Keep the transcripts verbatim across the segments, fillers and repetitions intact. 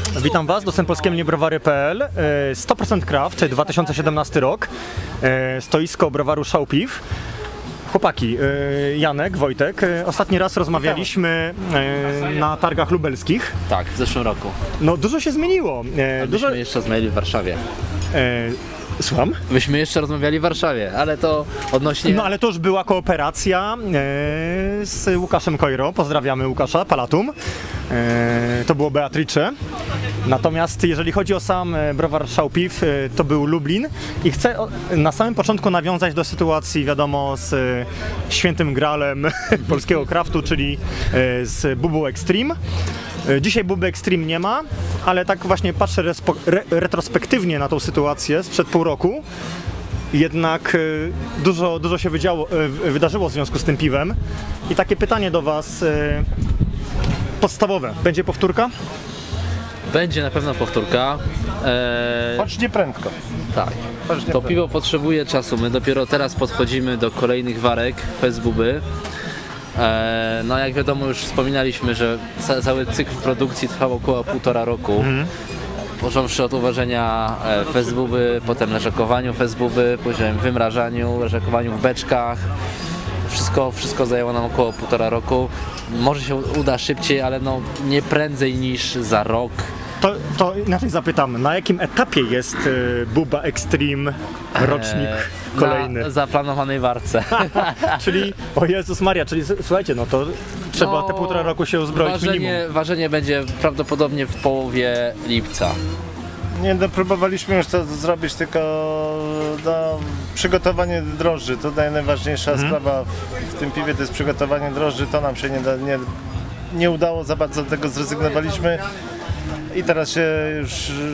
Witam Was, dostęp polskiemu niebrowary kropka p l, sto procent Craft, dwa tysiące siedemnasty rok, stoisko browaru Szałpiw. Chłopaki, Janek, Wojtek, ostatni raz rozmawialiśmy na targach lubelskich. Tak, w zeszłym roku. No dużo się zmieniło. A dużo... myśmy jeszcze rozmawiali w Warszawie. Słucham? Myśmy jeszcze rozmawiali w Warszawie, ale to odnośnie... No ale to już była kooperacja e, z Łukaszem Kojro, pozdrawiamy Łukasza, Palatum, e, to było Beatrice. Natomiast jeżeli chodzi o sam browar Szałpiw, e, to był Lublin i chcę o, na samym początku nawiązać do sytuacji, wiadomo, z e, świętym gralem polskiego craftu, czyli e, z Bubą Extreme. Dzisiaj Buby Extreme nie ma, ale tak właśnie patrzę re retrospektywnie na tą sytuację sprzed pół roku. Jednak dużo, dużo się wydziało, wydarzyło w związku z tym piwem. I takie pytanie do Was podstawowe. Będzie powtórka? Będzie na pewno powtórka. Eee... Chodź nie prędko. Tak. Chodź nie to piwo potrzebuje czasu. My dopiero teraz podchodzimy do kolejnych warek Fest Buby. No jak wiadomo, już wspominaliśmy, że cały cykl produkcji trwał około półtora roku. Mhm. Począwszy od uważenia Fest Buby, potem leżakowaniu Fest Buby, później wymrażaniu, leżakowaniu w beczkach. Wszystko, wszystko zajęło nam około półtora roku. Może się uda szybciej, ale no nie prędzej niż za rok. To, to inaczej zapytam, na jakim etapie jest y, Buba Extreme rocznik eee, kolejny? Na zaplanowanej warce. Czyli, o Jezus Maria, czyli słuchajcie, no to trzeba no, te półtora roku się uzbroić ważenie, minimum. Ważenie będzie prawdopodobnie w połowie lipca. Nie, no, próbowaliśmy już to zrobić, tylko no, przygotowanie drożdży, to najważniejsza hmm. sprawa w, w tym piwie, to jest przygotowanie drożdży, to nam się nie, da, nie, nie udało, za bardzo do tego zrezygnowaliśmy. I teraz się już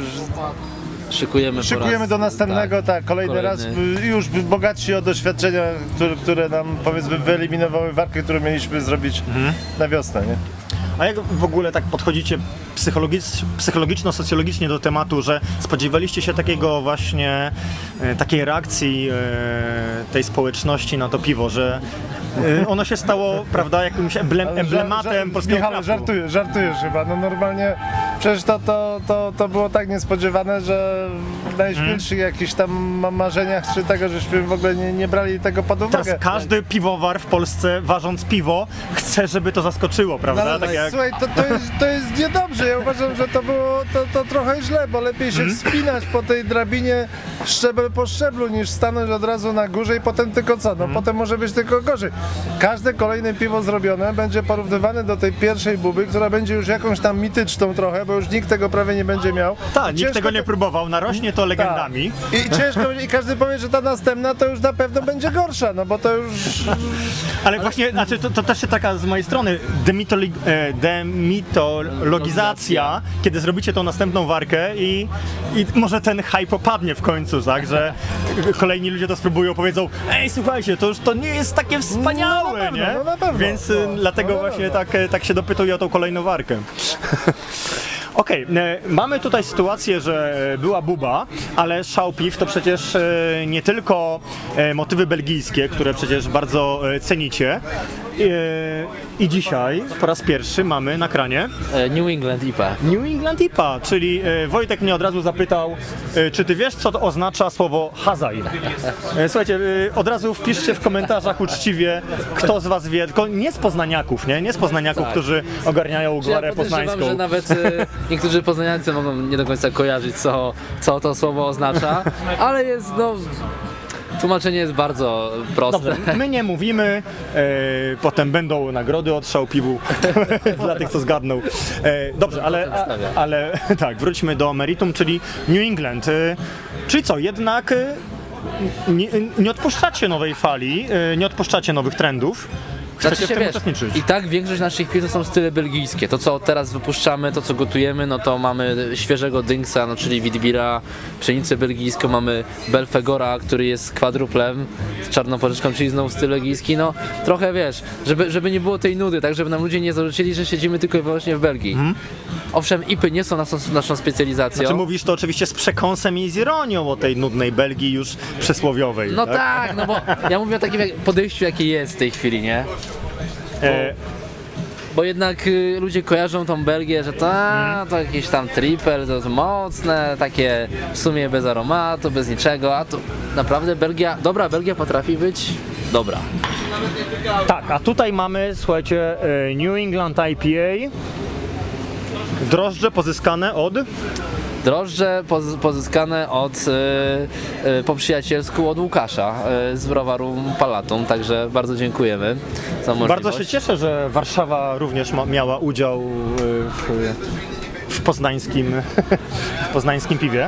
szykujemy, szykujemy raz, do następnego, tak, tak kolejny, kolejny raz, już bogatsi o doświadczenia, które, które nam powiedzmy wyeliminowały warkę, którą mieliśmy zrobić mhm. na wiosnę, nie? A jak w ogóle tak podchodzicie psychologicz, psychologiczno-socjologicznie do tematu, że spodziewaliście się takiego właśnie, e, takiej reakcji e, tej społeczności na to piwo, że e, ono się stało, prawda, jakimś emblem, emblematem polskiego Michał, craftu? żartujesz, żartujesz chyba, no normalnie przecież to, to, to, to było tak niespodziewane, że w najśmielszych hmm. jakichś tam marzeniach czy tego, żeśmy w ogóle nie, nie brali tego pod uwagę. Teraz każdy piwowar w Polsce, ważąc piwo, chce, żeby to zaskoczyło, prawda? No, tak jak... Słuchaj, to, to, jest, to jest niedobrze, ja uważam, że to było to, to trochę źle, bo lepiej się hmm. wspinać po tej drabinie szczebel po szczeblu, niż stanąć od razu na górze i potem tylko co, no hmm. potem może być tylko gorzej. Każde kolejne piwo zrobione będzie porównywane do tej pierwszej buby, która będzie już jakąś tam mityczną trochę, bo już nikt tego prawie nie będzie miał. Tak, nikt tego nie to... próbował, narośnie to legendami. Ta. I ciężko, i każdy powie, że ta następna to już na pewno będzie gorsza, no bo to już... Ale właśnie, znaczy to, to też się taka z mojej strony demitoli... demitologizacja, kiedy zrobicie tą następną warkę i, i może ten hype opadnie w końcu, tak, że kolejni ludzie to spróbują, powiedzą: ej, słuchajcie, to już to nie jest takie wspaniałe, no, na pewno, nie? No, na pewno. Więc no, dlatego no, właśnie no. tak, tak się dopytuję o tą kolejną warkę. Okej, okay, mamy tutaj sytuację, że była buba, ale Szałpiw to przecież nie tylko motywy belgijskie, które przecież bardzo cenicie. I dzisiaj po raz pierwszy mamy na kranie New England I P A. New England I P A, czyli Wojtek mnie od razu zapytał, czy ty wiesz, co to oznacza słowo Hazaj? Słuchajcie, od razu wpiszcie w komentarzach uczciwie, kto z was wie, tylko nie z poznaniaków, nie? Nie z poznaniaków, tak. którzy ogarniają gwarę ja poznańską. Że nawet niektórzy poznaniacy mogą nie do końca kojarzyć, co, co to słowo oznacza, ale jest, no... Tłumaczenie jest bardzo proste. Dobrze, my nie mówimy, e, potem będą nagrody od Szałpiwu dla tych, co zgadną. E, dobrze, ale, a, ale tak, wróćmy do meritum, czyli New England. E, czyli co, jednak e, nie, nie odpuszczacie nowej fali, e, nie odpuszczacie nowych trendów. Chcecie Znaczy się, w tym wiesz, uczestniczyć. I tak większość naszych piw to są style belgijskie. To, co teraz wypuszczamy, to co gotujemy, no to mamy świeżego Dynksa, no czyli Witbira, pszenicę belgijską, mamy Belfegora, który jest kwadruplem z czarną porzeczką, czyli znowu styl belgijski. No trochę, wiesz, żeby, żeby nie było tej nudy, tak żeby nam ludzie nie zarzucili, że siedzimy tylko i wyłącznie w Belgii. Hmm. Owszem, I P Y nie są naszą, naszą specjalizacją. Znaczy mówisz to oczywiście z przekąsem i z ironią o tej nudnej Belgii już przysłowiowej. No tak, tak, no bo ja mówię o takim podejściu, jakie jest w tej chwili, nie? E, bo jednak y, ludzie kojarzą tą Belgię, że to, a, to jakieś tam triple, to, to mocne, takie w sumie bez aromatu, bez niczego, a to naprawdę Belgia, dobra Belgia potrafi być dobra. Tak, a tutaj mamy, słuchajcie, e, New England I P A, drożdże pozyskane od... Drożdże poz, pozyskane od, y, y, po przyjacielsku od Łukasza y, z browaru Palatum, także bardzo dziękujemy za możliwość. Bardzo się cieszę, że Warszawa również ma, miała udział e, w, w, poznańskim, w poznańskim piwie.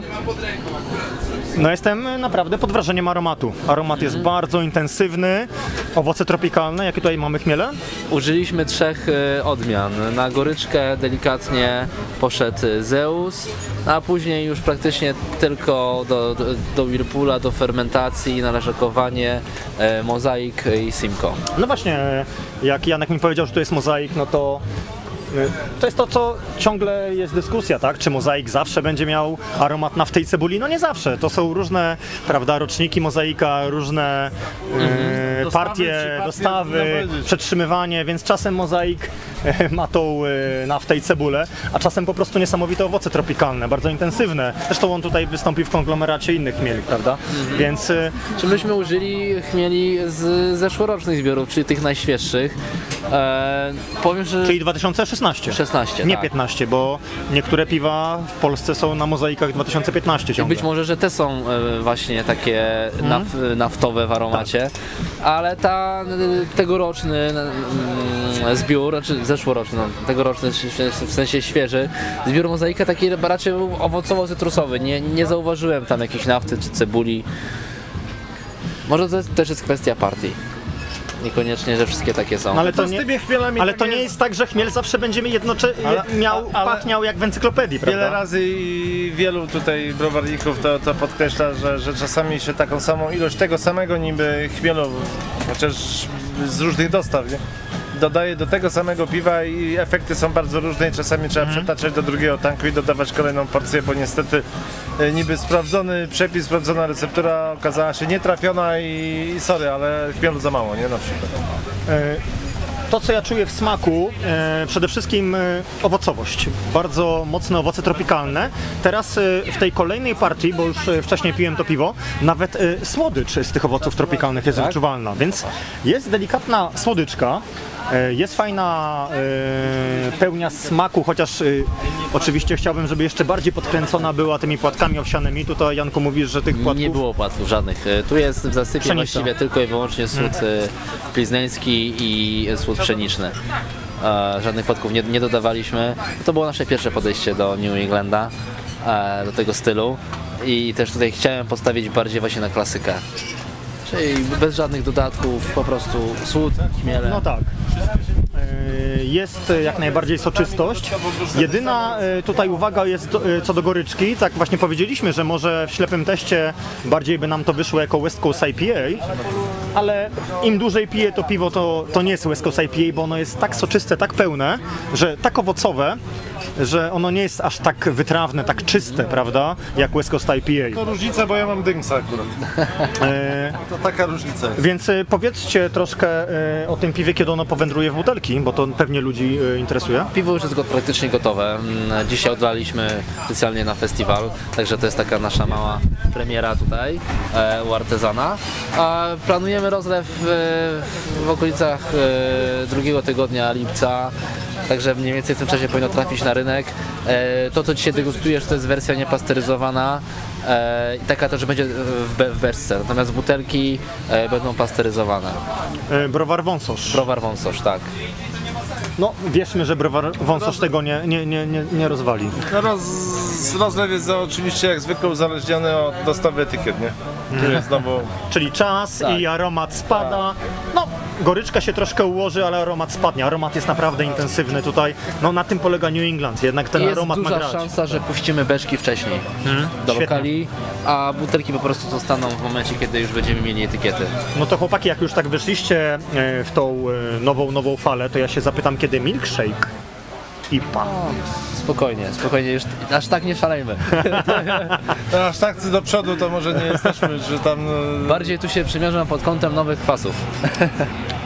No jestem naprawdę pod wrażeniem aromatu. Aromat jest bardzo intensywny, owoce tropikalne. Jakie tutaj mamy chmiele? Użyliśmy trzech y, odmian. Na goryczkę delikatnie poszedł Zeus, a później już praktycznie tylko do, do, do Whirlpoola, do fermentacji, należakowanie, y, mozaik i Simcoe. No właśnie, jak Janek mi powiedział, że to jest mozaik, no to to jest to, co ciągle jest dyskusja, tak? Czy mozaik zawsze będzie miał aromat naftej cebuli? No nie zawsze. To są różne, prawda, roczniki mozaika, różne e, Dostawy, partie, przypadki, dostawy, można powiedzieć. przetrzymywanie, więc czasem mozaik e, ma tą e, naftę i cebulę, a czasem po prostu niesamowite owoce tropikalne, bardzo intensywne. Zresztą on tutaj wystąpi w konglomeracie innych chmieli, prawda? Mhm. Więc e, Czy myśmy użyli chmieli z zeszłorocznych zbiorów, czyli tych najświeższych. E, powiem, że... czyli dwa tysiące szesnaście. szesnaście, Nie tak. piętnaście, bo niektóre piwa w Polsce są na mozaikach dwa tysiące piętnaście I ciągle. być może, że te są e, właśnie takie naf, naftowe w aromacie, ale ta e, tegoroczny mm, zbiór, znaczy zeszłoroczny, no, tegoroczny w sensie świeży, zbiór mozaika taki raczej owocowo-cytrusowy. Nie, nie zauważyłem tam jakiejś nafty czy cebuli. Może to też jest kwestia partii. Niekoniecznie, że wszystkie takie są. No ale to, To z nie, tymi chmielami ale tak to nie jest- jest tak, że chmiel zawsze będzie mi jednocze... Ale- miał, ale- pachniał jak w encyklopedii, prawda? Wiele razy i wielu tutaj browarników to, to podkreśla, że, że czasami się taką samą ilość tego samego niby chmielu, chociaż z różnych dostaw, nie? Dodaje do tego samego piwa i efekty są bardzo różne i czasami trzeba Mhm. przetaczać do drugiego tanku i dodawać kolejną porcję, bo niestety e, niby sprawdzony przepis, sprawdzona receptura okazała się nietrafiona i, i sorry, ale chmielu za mało, nie? Na przykład. E, To, co ja czuję w smaku, e, przede wszystkim e, owocowość. Bardzo mocne owoce tropikalne. Teraz e, w tej kolejnej partii, bo już e, wcześniej piłem to piwo, nawet e, słodycz z tych owoców tropikalnych jest Tak? wyczuwalna, więc jest delikatna słodyczka. e, Jest fajna e, pełnia smaku, chociaż e, oczywiście chciałbym, żeby jeszcze bardziej podkręcona była tymi płatkami owsianymi. Tutaj, Janku, mówisz, że tych płatków... Nie było płatków żadnych. E, Tu jest w zasypie Pszenica. właściwie tylko i wyłącznie słód hmm. plizneński i słód pszeniczny. E, żadnych płatków nie, nie dodawaliśmy. To było nasze pierwsze podejście do New Englanda, e, do tego stylu. I też tutaj chciałem postawić bardziej właśnie na klasykę. Czyli bez żadnych dodatków, po prostu słód, chmiele. No tak. E, Jest jak najbardziej soczystość. Jedyna e, tutaj uwaga jest do, e, co do goryczki. Tak właśnie powiedzieliśmy, że może w ślepym teście bardziej by nam to wyszło jako West Coast I P A, ale im dłużej piję to piwo, to, to nie jest West Coast I P A, bo ono jest tak soczyste, tak pełne, że tak owocowe, że ono nie jest aż tak wytrawne, tak czyste, prawda, jak West Coast I P A. To różnica, bo ja mam dynksa akurat. E, To taka różnica jest. Więc e, powiedzcie troszkę e, o tym piwie, kiedy ono powędruje w butelki, bo to pewnie ludzi e, interesuje. Piwo już jest go, praktycznie gotowe. Mm, Dzisiaj oddaliśmy specjalnie na festiwal, także to jest taka nasza mała premiera tutaj e, u artezana. A planujemy rozlew e, w okolicach e, drugiego tygodnia lipca, także mniej więcej w tym czasie powinno trafić na rynek. E, to, co dzisiaj degustujesz, to jest wersja niepasteryzowana e, i taka też będzie w, be, w beczce, natomiast butelki e, będą pasteryzowane. E, browar Wąsosz. Browar Wąsosz, tak. No, wierzmy, że browar Wąsosz tego nie, nie, nie, nie, nie rozwali. No roz, rozlew jest za- oczywiście jak zwykle uzależniony od dostawy etykiet, nie? Tu jest znowu... Czyli czas Tak. i aromat spada. No, goryczka się troszkę ułoży, ale aromat spadnie. Aromat jest naprawdę intensywny tutaj. No, na tym polega New England. Jednak ten Jest aromat ma duża grać. szansa, że puścimy beczki wcześniej do Świetnie. lokali, a butelki po prostu zostaną w momencie, kiedy już będziemy mieli etykiety. No to chłopaki, jak już tak wyszliście e, w tą e, nową, nową falę, to ja się zapytam, kiedy milkshake I P A. Spokojnie, spokojnie, już aż tak nie szalejmy. No, aż tak do przodu to może nie jesteśmy, że tam... e, Bardziej tu się przymierzam pod kątem nowych kwasów.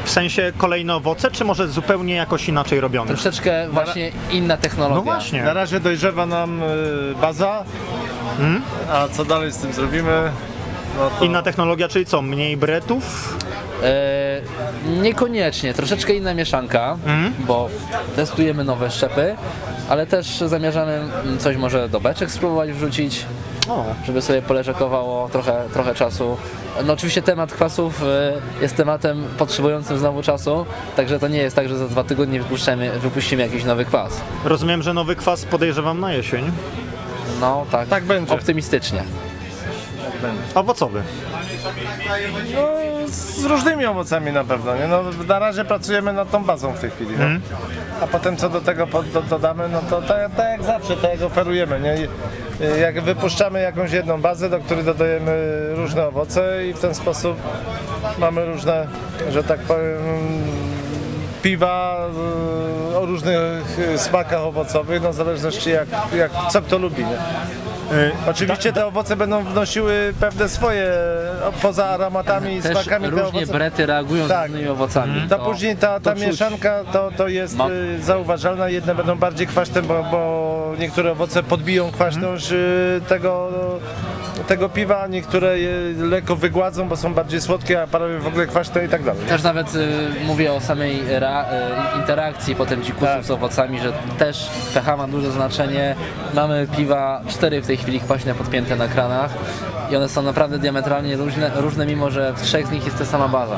W sensie kolejne owoce, czy może zupełnie jakoś inaczej robione? Troszeczkę właśnie inna technologia. No właśnie. Na razie dojrzewa nam y, baza, Hmm? a co dalej z tym zrobimy? No to... Inna technologia, czyli co? Mniej bretów? E, niekoniecznie, troszeczkę inna mieszanka, Mhm. bo testujemy nowe szczepy, ale też zamierzamy mm, coś może do beczek spróbować wrzucić, O. żeby sobie poleżakowało trochę, trochę czasu. No oczywiście temat kwasów e, jest tematem potrzebującym znowu czasu, także to nie jest tak, że za dwa tygodnie wypuścimy, wypuścimy jakiś nowy kwas. Rozumiem, że nowy kwas podejrzewam na jesień. No tak, Tak będzie. optymistycznie. Owocowy. No, z różnymi owocami na pewno, nie? No, na razie pracujemy nad tą bazą w tej chwili, no. Mhm. A potem co do tego pod, do, dodamy, no to tak tak jak zawsze, tak jak oferujemy, nie? I, y, jak wypuszczamy jakąś jedną bazę, do której dodajemy różne owoce i w ten sposób mamy różne, że tak powiem, piwa y, o różnych y, smakach owocowych, no w zależności jak, jak co kto lubi, nie? Y, Oczywiście te owoce będą wnosiły pewne swoje, o, poza aromatami i Też smakami te różnie owoce. brety reagują Tak. z różnymi owocami. To później ta, ta to czuć. mieszanka to, to jest Ma- y, zauważalna, jedne będą bardziej kwaśne, bo, bo niektóre owoce podbiją kwaśność y, tego, tego piwa, niektóre je lekko wygładzą, bo są bardziej słodkie, a parę w ogóle kwaśne i tak dalej. Też nawet y, mówię o samej ra, y, interakcji potem dzikusów Tak. z owocami, że też pH ma duże znaczenie. Mamy piwa, cztery w tej chwili kwaśne podpięte na kranach i one są naprawdę diametralnie różne, różne mimo że w trzech z nich jest ta sama baza.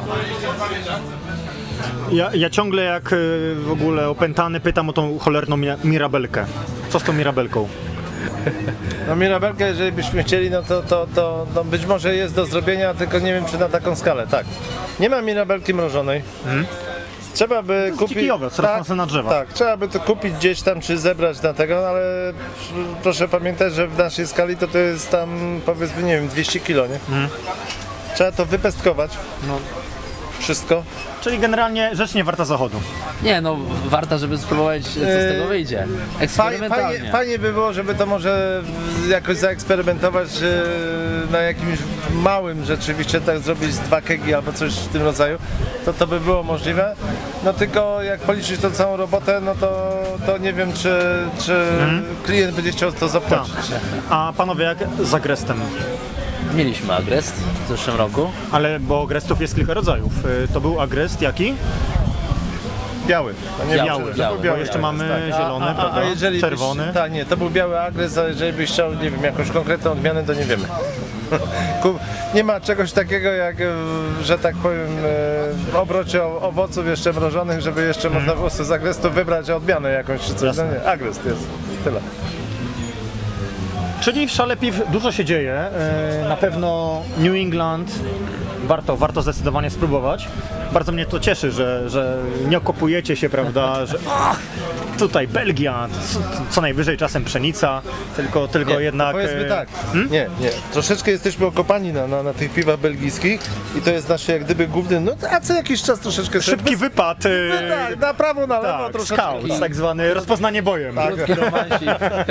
Ja, ja ciągle jak y, w ogóle opętany pytam o tą cholerną mi- mirabelkę. Co z tą mirabelką? No mirabelkę, jeżeli byśmy chcieli, no to, to, to no być może jest do zrobienia, tylko nie wiem czy na taką skalę, tak. Nie ma mirabelki mrożonej. Trzeba by jest kupić... dziki owoc, rosnące na drzewach. Tak, trzeba by to kupić gdzieś tam, czy zebrać na tego, no ale proszę pamiętać, że w naszej skali to to jest tam powiedzmy, nie wiem, dwieście kilo, nie? Trzeba to wypestkować. No. Wszystko. Czyli generalnie rzecz nie warta zachodu. Nie no, warto, żeby spróbować co z tego wyjdzie. Fajnie, Eksperymentalnie. fajnie, fajnie by było, żeby to może jakoś zaeksperymentować e, na jakimś małym rzeczywiście, tak zrobić z dwa kegi albo coś w tym rodzaju, to to by było możliwe. No tylko jak policzyć tą całą robotę, no to, to nie wiem, czy, czy klient będzie chciał to zapłacić. A panowie, jak z agrestem? Mieliśmy agrest w zeszłym roku. Ale bo agrestów jest kilka rodzajów. Y, To był agrest jaki? Biały. No nie Biały, biały, biały, to był Bo jeszcze agres, mamy tak. zielony, a, a, prawda? a jeżeli Czerwony. Byś, tak, nie, to był biały agres, a jeżeli byś chciał, nie wiem, jakąś konkretną odmianę, to nie wiemy. Ku- Nie ma czegoś takiego jak, e, że tak powiem, e, w obrocie o- owoców jeszcze mrożonych, żeby jeszcze można po prostu z agrestu wybrać odmianę jakąś czy coś. No nie, agrest jest. Tyle. Czyli w Szale Piw dużo się dzieje. y, Na pewno New England warto, warto zdecydowanie spróbować. Bardzo mnie to cieszy, że, że nie okopujecie się, prawda, że ach, tutaj Belgia, co, co najwyżej czasem pszenica, tylko, tylko Nie, jednak... Powiedzmy e, tak, nie, nie. Troszeczkę jesteśmy okopani na, na, na tych piwach belgijskich i to jest nasze jak gdyby główny, no a co jakiś czas troszeczkę... sobie- Szybki wypad. y, No tak, na prawo, na lewo tak, troszeczkę. scout, tak zwany rozpoznanie bojem. Krótki romansik.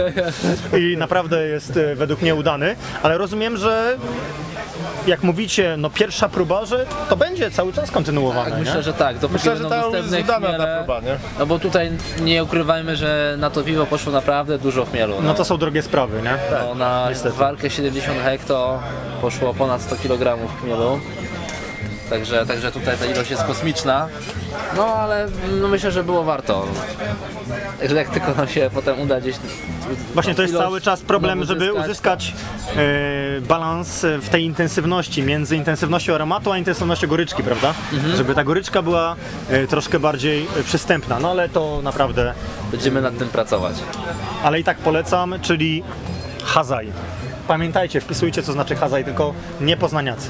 I naprawdę jest e, według mnie udany, ale rozumiem, że jak mówicie, no pierwsza próba, że to będzie cały czas kontynuowane, Tak, nie? myślę, że tak. Dopóki Myślę, że będą ta jest dostępne udana chmiele, ta próba, nie? no bo tutaj nie ukrywajmy, że na to piwo poszło naprawdę dużo chmielu. No to są drogie sprawy, nie? No, na niestety. walkę siedemdziesiąt hekto poszło ponad sto kilogramów chmielu. Także, także tutaj ta ilość jest kosmiczna. No ale no, myślę, że było warto. Także jak tylko nam się potem uda gdzieś... Właśnie to jest ilość cały czas problem, znowu żeby uzyskać e, balans w tej intensywności, między intensywnością aromatu a intensywnością goryczki, prawda? Żeby ta goryczka była e, troszkę bardziej e, przystępna, no ale to naprawdę, Będziemy nad tym pracować. ale i tak polecam, czyli Hazaj. Pamiętajcie, wpisujcie co znaczy Hazaj, tylko nie poznaniacy.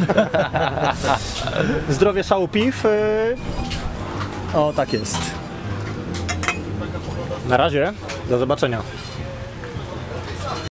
Zdrowie Szału Piw. E, o, tak jest. Na razie, do zobaczenia.